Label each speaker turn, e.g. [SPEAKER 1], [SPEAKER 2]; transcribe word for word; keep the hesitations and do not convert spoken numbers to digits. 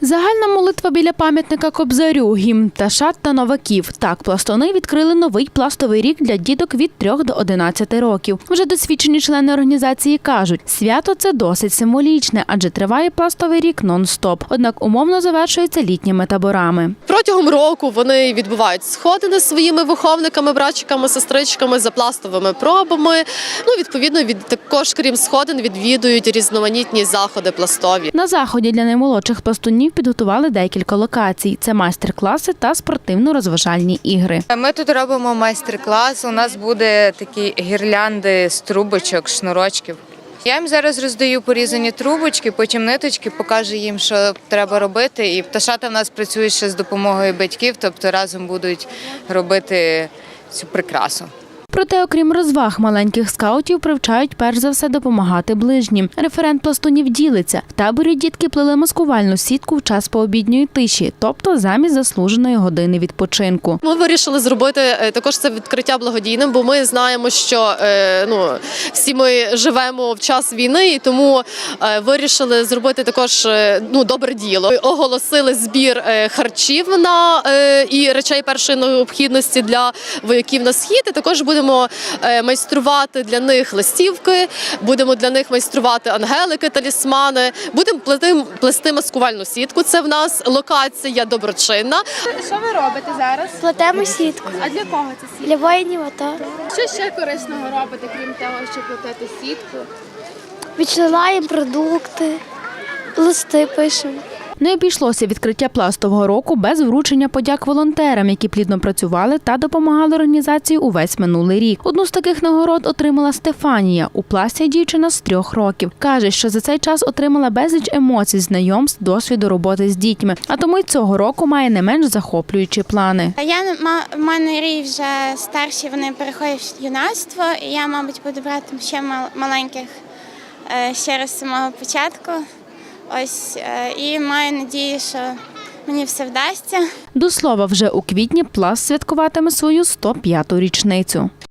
[SPEAKER 1] Загальна молитва біля пам'ятника Кобзарю, гімн Ташат та новаків. Так, пластуни відкрили новий пластовий рік для діток від трьох до одинадцяти років. Вже досвідчені члени організації кажуть, свято це досить символічне, адже триває пластовий рік нон-стоп. Однак умовно завершується літніми таборами.
[SPEAKER 2] Протягом року вони відбувають сходини зі своїми виховниками, братчиками, сестричками за пластовими пробами. Ну, відповідно, від також, крім сходин, відвідують різноманітні заходи пластові.
[SPEAKER 1] На заході для наймолодших пластунів підготували декілька локацій. Це майстер-класи та спортивно-розважальні ігри.
[SPEAKER 3] Ми тут робимо майстер-клас. У нас буде такі гірлянди з трубочок, шнурочків. Я їм зараз роздаю порізані трубочки, потім ниточки, покажу їм, що треба робити. І пташата в нас працюють ще з допомогою батьків, тобто разом будуть робити цю прикрасу.
[SPEAKER 1] Проте, окрім розваг, маленьких скаутів привчають перш за все допомагати ближнім. Референт пластунів ділиться. В таборі дітки плели маскувальну сітку в час пообідньої тиші, тобто замість заслуженої години відпочинку.
[SPEAKER 2] Ми вирішили зробити також це відкриття благодійним, бо ми знаємо, що ну, всі ми живемо в час війни, і тому вирішили зробити також ну, добре діло. Оголосили збір харчів на, і речей першої необхідності для вояків на схід, і також будемо Будемо майструвати для них листівки, будемо для них майструвати ангелики, талісмани, будемо плести, плести маскувальну сітку. Це в нас локація доброчинна.
[SPEAKER 4] Що ви робите зараз?
[SPEAKER 5] Плетемо сітку.
[SPEAKER 4] А для кого це сітка?
[SPEAKER 5] Для воїнів АТО.
[SPEAKER 4] Що ще корисного робите, крім того, що плетете сітку?
[SPEAKER 5] Відсилаємо продукти, листи пишемо.
[SPEAKER 1] Не обійшлося відкриття пластового року без вручення подяк волонтерам, які плідно працювали та допомагали організації увесь минулий рік. Одну з таких нагород отримала Стефанія. У пласті дівчина з трьох років. Каже, що за цей час отримала безліч емоцій, знайомств, досвіду роботи з дітьми. А тому й цього року має не менш захоплюючі плани.
[SPEAKER 6] Я в мене рій вже старші, вони переходять в юнацтво, і я, мабуть, буду брати ще маленьких ще раз з самого початку. Ось, і маю надію, що мені все вдасться.
[SPEAKER 1] До слова, вже у квітні пласт святкуватиме свою сто п'яту річницю.